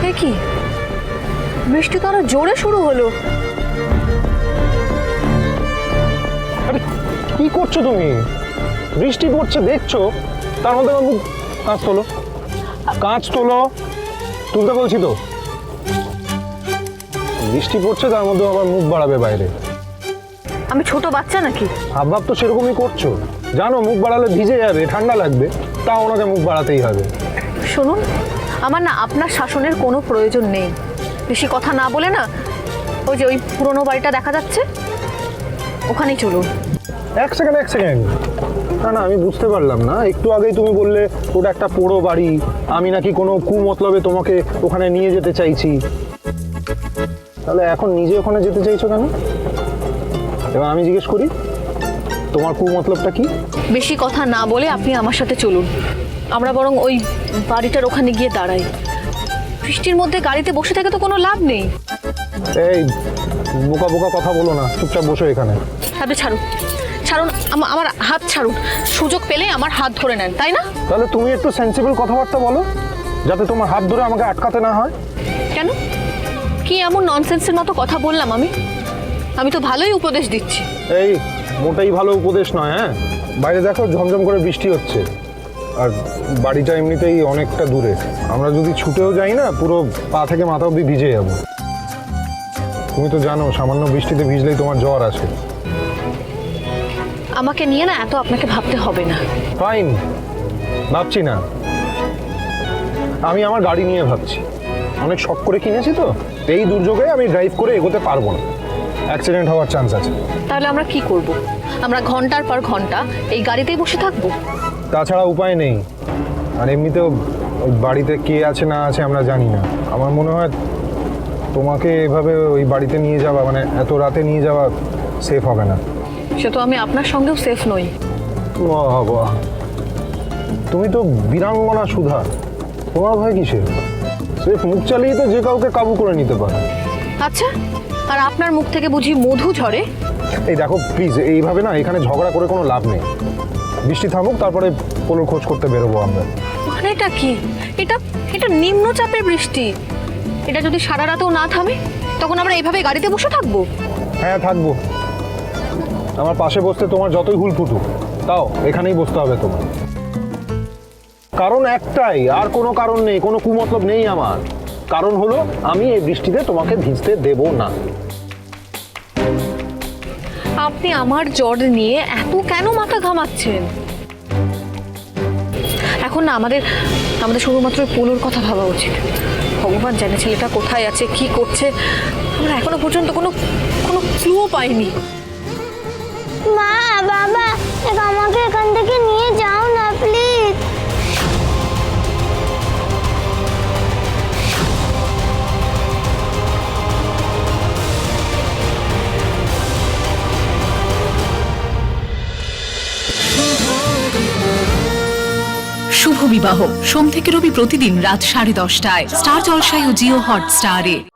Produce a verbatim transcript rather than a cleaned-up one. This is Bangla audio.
কি বৃষ্টি তো আরো জোরে শুরু হলো। আরে কি করছো তুমি? বৃষ্টি পড়ছে দেখছো, তার মধ্যে আমার মুখ কাঁচ তোলো, কাঁচ তোলো, তুলতে বলছি তো। বৃষ্টি পড়ছে তার মধ্যে আবার মুখ বাড়াবে বাইরে। আমি ছোট বাচ্চা নাকি? হাবভাব তো সেরকমই করছো, জানো মুখ বাড়ালে ভিজে যাবে, ঠান্ডা লাগবে, তাও ওনাকে মুখ বাড়াতেই হবে। শুনুন, আমার না আপনার শাসনের কোনো প্রয়োজন নেই। বেশি কথা না বলে না ওই যে ওই পুরনো বাড়িটা দেখা যাচ্ছে ওখানেই চলুন। এক সেকেন্ড এক সেকেন্ড না না আমি বুঝতে পারলাম না। একটু আগেই তুমি বললে ওটা একটা পোড়ো বাড়ি, আমি নাকি কোনো কুমতলবে তোমাকে ওখানে নিয়ে যেতে চাইছি। তাহলে এখন নিজে ওখানে যেতে চাইছো কেন? এবার আমি জিজ্ঞেস করি, তোমার কুমতলবটা কি? বেশি কথা না বলে আপনি আমার সাথে চলুন, আমরা বরং ওই বাড়িটার ওখানে গিয়ে দাঁড়াই। বৃষ্টির মধ্যে গাড়িতে বসে থেকে তো কোনো লাভ নেই। এই বোকা বোকা কথা বলো না, চুপচাপ বসো এখানে। আপনি ছাড়ুন, ছাড়ুন, আমা- আমার হাত ছাড়ুন। সুযোগ পেলে আমার হাত ধরে নেন, তাই না? তাহলে তুমি একটু সেন্সিবল কথাবার্তা বলো, যাতে তোমার হাত ধরে আমাকে আটকাতে না হয়। কেন? কি এমন ননসেন্সের মতো কথা বললাম আমি? আমি তো ভালোই উপদেশ দিচ্ছি। এই মোটেই ভালো উপদেশ নয়। হ্যাঁ, বাইরে দেখো ঝমঝম করে বৃষ্টি হচ্ছে, আর বাড়িটা এমনিতেই অনেকটা দূরে। আমরা যদি ছুটেও যাই না, পুরো পা থেকে মাথা অবধি ভিজে যাবো। তুমি তো জানো সামান্য বৃষ্টিতে ভিজলেই তোমার জ্বর আসে। আমাকে নিয়ে না এত আপনাকে ভাবতে হবে না। ফাইন, ভাবছি না। আমি আমার গাড়ি নিয়ে ভাবছি। অনেক শখ করে কিনেছি তো, এই দুর্যোগে আমি ড্রাইভ করে এগোতে পারবো না, অ্যাক্সিডেন্ট হওয়ার চান্স আছে। তাহলে আমরা কি করব? আমরা ঘন্টার পর ঘন্টা এই গাড়িতেই বসে থাকবো? তাছাড়া উপায় নেই। আর এমনিতেও ওই বাড়িতে কে আছে না আছে আমরা জানি না। আমার মনে হয় তোমাকে এভাবে ওই বাড়িতে নিয়ে যাওয়া, মানে এত রাতে নিয়ে যাওয়া সেফ হবে না। সে তো আমি আপনার সঙ্গেও সেফ নই। বাবা, তুমি তো বীরাঙ্গনা সুধা, তোমার ভয় কিসের? সেফ মুখ চালিয়ে তো যে কাউকে কাবু করে নিতে পারে। আচ্ছা, আর আপনার মুখ থেকে বুঝি মধু ঝরে? এই দেখো প্লিজ, এইভাবে না এখানে ঝগড়া করে কোনো লাভ নেই। বৃষ্টি থামুক, তারপরে পোলোর খোঁজ করতে বেরোবো আমরা। মানে এটা কি? এটা এটা নিম্নচাপের বৃষ্টি। এটা যদি সারা রাতেও না থামে, তখন আমরা এইভাবে গাড়িতে বসে থাকবো? হ্যাঁ থাকবো। আমার পাশে বসতে তোমার যতই হুল ফুটুক, তাও এখানেই বসতে হবে তোমার। কারণ একটাই, আর কোনো কারণ নেই, কোনো কুমতলব নেই আমার। কারণ হলো আমি এই বৃষ্টিতে তোমাকে ভিজতে দেব না। আপনি আমার জ্বর নিয়ে এত কেন মাথা ঘামাচ্ছেন? এখন না আমাদের আমাদের শুধুমাত্র পোলোর কথা ভাবা উচিত। ভগবান জানে ছেলেটা কোথায় আছে, কি করছে। আমরা এখনো পর্যন্ত কোনো কোনো ক্লুও পাইনি। মা, বাবা, আমাকে এখান থেকে নিয়ে যাও না প্লিজ। শুভ বিবাহ সোম থেকে রবি প্রতিদিন রাত সাড়ে দশটায় স্টার জলসায় ও জিও হটস্টারে।